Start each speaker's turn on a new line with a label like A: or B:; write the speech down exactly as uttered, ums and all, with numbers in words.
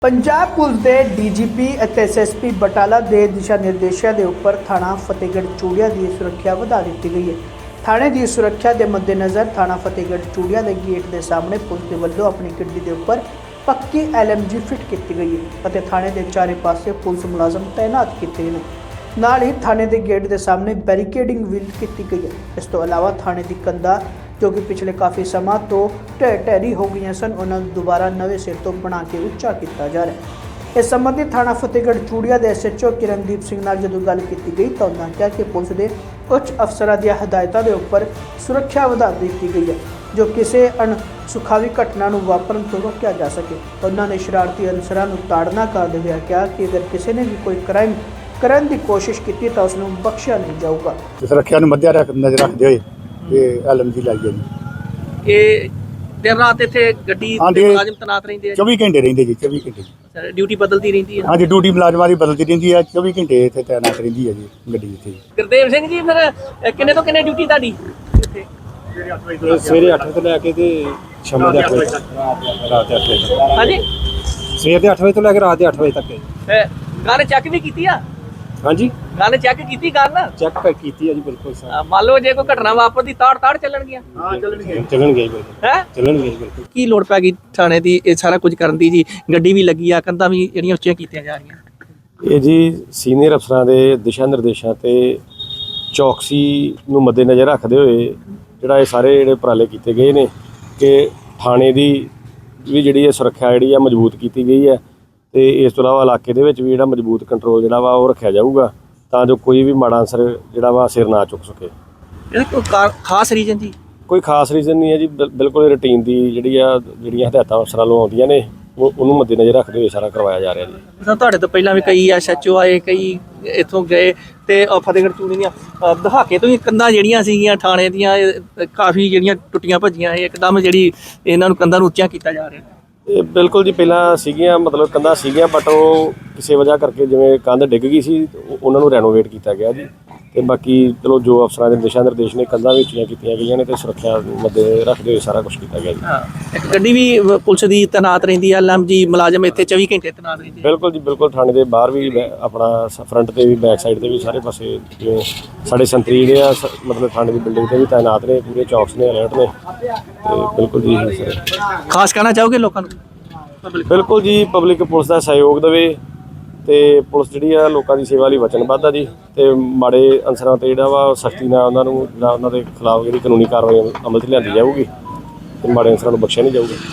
A: Punjab police के D G P ਅਤੇ S S P Batala के दिशा निर्देशों के उपर थाना फतेहगढ़ चूड़िया की सुरक्षा बढ़ा दी गई है। थाने की सुरक्षा के मद्देनज़र थाना फतेहगढ़ चूड़िया के गेट के सामने पुलिस के वलों अपनी गड्डी के उपर पक्की एल एम जी फिट की गई है और थाने के चारे पासे पुलिस मुलाजम तैनात किए हैं। नाल ही थाने के गेट के सामने बैरीकेडिंग भी की गई है। इस तो अलावा थाने की कंधा जो कि पिछले काफ़ी समय तो ढह ढहरी हो गई सन, उन्होंने दोबारा नवे सिर तो बना के उच्चा किया जा रहा है। इस संबंधी थाना फतेहगढ़ चूड़िया के S H O Kirandeep Singh नाल जदों गल की गई तो उन्होंने कहा कि पुलिस के उच्च अफसरों दी हिदायतों के उपर सुरक्षा बढ़ा दी गई है जो किसी अणसुखावी घटना को वापरन तो रोकया जा सके। उन्होंने शरारती अनसरां नूं ताड़ना करते हुए कहा कि अगर किसी ने भी कोई क्राइम करने की कोशिश की तो उसनूं बख्शिया नहीं जाऊगा।
B: सुरक्षा मध्य नज़र रखते हुए एल एम जी लाई है।
C: दिन रात इत्थे गड्डी ते मुलाजिम तैनात रहिंदे आ।
B: चौबी घंटे रहिंदे जी, चौबी घंटे
C: ड्यूटी बदलती रहिंदी है।
B: हाँ जी, ड्यूटी मुलाजमां दी बदलती रहिंदी है, चौबी घंटे इत्थे तैनात रहिंदी है जी गड्डी इत्थे।
C: गुरदेव सिंह जी फिर किन्ने तो किन्ने ड्यूटी तुहाडी इत्थे?
D: सवेरे अठ तो लैके ते शाम दे अठ बजे तक, रात दे अठ बजे तक।
C: हाँ जी,
D: सवेरे दे अठ बजे तो लैके रात दे अठ बजे तक।
C: गन चेक भी कीती आ?
D: हाँ जी,
C: गन चेक कीती गन
D: चेक कर कीती है जी, बिल्कुल सर।
C: मान लो जे कोई घटना वापरदी ताड़ ताड़ ਚੱਲਣ ਗਿਆ
D: ਚੱਲਣ ਗਈ ਬਿਲਕੁਲ
C: ਹੈ
D: ਚੱਲਣ ਗਈ ਬਿਲकुल।
C: ਕੀ ਲੋੜ ਪੈ ਗਈ ਥਾਣੇ ਦੀ ਇਹ ਸਾਰਾ ਕੁਝ ਕਰਨ ਦੀ ਜੀ? ਗੱਡੀ ਵੀ ਲੱਗੀ ਆ, ਕੰਧਾਂ ਵੀ ਜਿਹੜੀਆਂ ਉੱਚੀਆਂ ਕੀਤੀਆਂ ਜਾ ਰਹੀਆਂ।
D: ਇਹ ਜੀ ਸੀਨੀਅਰ ਅਫਸਰਾਂ ਦੇ ਦਿਸ਼ਾ ਨਿਰਦੇਸ਼ਾਂ ਤੇ ਚੌਕਸੀ ਨੂੰ ਮੱਦੇਨਜ਼ਰ ਰੱਖਦੇ ਹੋਏ ਜਿਹੜਾ ਇਹ ਸਾਰੇ ਜਿਹੜੇ ਉਪਰਾਲੇ ਕੀਤੇ ਗਏ ਨੇ ਕਿ ਥਾਣੇ ਦੀ ਵੀ ਜਿਹੜੀ ਹੈ ਸੁਰੱਖਿਆ ਜਿਹੜੀ ਆ ਮਜ਼ਬੂਤ ਕੀਤੀ ਗਈ ਹੈ ਤੇ ਇਸ ਤੋਂ ਇਲਾਵਾ ਇਲਾਕੇ ਦੇ ਵਿੱਚ ਵੀ ਜਿਹੜਾ ਮਜ਼ਬੂਤ ਕੰਟਰੋਲ ਜਿਹੜਾ ਵਾ ਉਹ ਰੱਖਿਆ ਜਾਊਗਾ ਤਾਂ ਜੋ ਕੋਈ ਵੀ ਮਾੜਾ ਅਨਸਰ ਜਿਹੜਾ ਵਾ ਸਿਰ ਨਾ ਚੁੱਕ ਸਕੇ।
C: ਇਹਦਾ ਕੋਈ ਕਾ- ਖਾਸ ਰੀਜਨ ਜੀ?
D: ਕੋਈ ਖਾਸ ਰੀਜ਼ਨ ਨਹੀਂ ਹੈ ਜੀ, ਬਿਲ- ਬਿਲਕੁਲ ਰੂਟੀਨ ਦੀ ਜਿਹੜੀ ਆ ਜਿਹੜੀਆਂ ਹਦਾਇਤਾਂ ਅਫਸਰਾਂ ਵੱਲੋਂ ਆਉਂਦੀਆਂ ਨੇ ਉਹ ਉਹਨੂੰ ਮੱਦੇਨਜ਼ਰ ਰੱਖਦੇ ਹੋਏ ਸਾਰਾ ਕਰਵਾਇਆ ਜਾ ਰਿਹਾ ਜੀ।
C: ਤਾਂ ਤੁਹਾਡੇ ਤੋਂ ਪਹਿਲਾਂ ਵੀ ਕਈ ਐਸ ਐਚ ਓ ਆਏ, ਕਈ ਇੱਥੋਂ ਗਏ ਤੇ ਉਹ ਫਤਿਹਗੜ੍ਹ ਚੂੜੀ ਦੀਆਂ ਅ, ਦਹਾਕੇ ਤੋਂ ਹੀ ਕੰਧਾਂ ਜਿਹੜੀਆਂ ਸੀਗੀਆਂ ਥਾਣੇ ਦੀਆਂ ਇਹ ਕਾਫੀ ਜਿਹੜੀਆਂ ਟੁੱਟੀਆਂ ਭੱਜੀਆਂ ਇਹ ਇੱਕਦਮ ਜਿਹੜੀ ਇਹਨਾਂ ਨੂੰ ਕੰਧਾਂ ਨੂੰ ਉੱਚੀਆਂ ਕੀਤਾ ਜਾ ਰਿਹਾ।
D: ਇਹ ਬਿਲਕੁਲ ਜੀ ਪਹਿਲਾਂ ਸੀਗੀਆਂ ਮਤਲਬ ਕੰਧਾਂ ਸੀਗੀਆਂ ਬਟ ਉਹ ਕਿਸੇ ਵਜ੍ਹਾ ਕਰਕੇ ਜਿਵੇਂ ਕੰਧ ਡਿੱਗ ਗਈ ਸੀ ਉਹ- ਉਹਨਾਂ ਨੂੰ ਰੈਨੋਵੇਟ ਕੀਤਾ ਗਿਆ ਜੀ ਤੇ ਬਾਕੀ ਚਲੋ ਜੋ ਅਫਸਰਾਂ ਦੇ ਦਿਸ਼ਾ ਨਿਰਦੇਸ਼ ਨੇ ਕੰਧਾਂ ਵੀ ਉੱਚੀਆਂ ਕੀਤੀਆਂ ਗਈਆਂ ਨੇ ਤੇ ਸੁਰੱਖਿਆ ਮੱਦੇ ਰੱਖਦੇ ਹੋਏ ਸਾਰਾ ਕੁਝ ਕੀਤਾ ਗਿਆ ਜੀ।
C: ਹਾਂ, ਇੱਕ ਗੱਡੀ ਵੀ ਅ, ਪੁਲਿਸ ਦੀ ਤੈਨਾਤ ਰਹਿੰਦੀ ਆ, ਐਲ ਐਮ ਜੀ ਮੁਲਾਜ਼ਮ ਇੱਥੇ ਚੌਵੀ ਘੰਟੇ ਤੈਨਾਤ ਰਹਿੰਦੇ ਆ।
D: ਬਿਲਕੁਲ ਜੀ ਬਿਲਕੁਲ, ਥਾਣੇ ਦੇ ਬਾਹਰ ਵੀ ਬੈ- ਆਪਣਾ ਫਰੰਟ ਤੇ ਵੀ ਬੈਕ ਸਾਈਡ ਤੇ ਵੀ ਸਾਰੇ ਪਾਸੇ ਜਿਵੇਂ ਸਾਡੇ ਸੰਤਰੀ ਜਿਹੜੇ ਆ ਸ- ਮਤਲਬ ਥਾਣੇ ਦੀ ਬਿਲਡਿੰਗ ਤੇ ਵੀ ਤਾਇਨਾਤ ਨੇ, ਪੂਰੇ ਚੌਕਸ ਨੇ, ਅਲਰਟ ਨੇ ਤੇ ਬਿਲਕੁਲ ਜੀ ਸਰ।
C: ਖਾਸ ਕਹਿਣਾ ਚਾਹੋਗੇ ਲੋਕਾਂ ਨੂੰ? ਪਬਲਿਕ
D: ਬਿਲਕੁਲ ਜੀ, ਪਬਲਿਕ ਪੁਲਿਸ ਦਾ ਸਹਿਯੋਗ ਦੇਵੇ ਤੇ ਪੁਲਿਸ ਜਿਹੜੀ ਆ ਲੋਕਾਂ ਦੀ ਸੇਵਾ ਲਈ ਵਚਨਬੱਧ ਆ ਜੀ ਤੇ ਮਾੜੇ ਅਨਸਰਾਂ ਤੇ ਜਿਹੜਾ ਵਾ ਸਖਤੀ ਨਾਲ ਉਹਨਾਂ ਨੂੰ ਜਿਹੜਾ ਉਹਨਾਂ ਦੇ ਖਿਲਾਫ ਜਿਹੜੀ ਕਾਨੂੰਨੀ ਕਾਰਵਾਈ ਅਮਲ 'ਚ ਲਿਆਂਦੀ ਜਾਊਗੀ ਤੇ ਮਾੜੇ ਅਨਸਰਾਂ ਨੂੰ ਬਖਸ਼ਿਆ ਨਹੀਂ ਜਾਊਗਾ।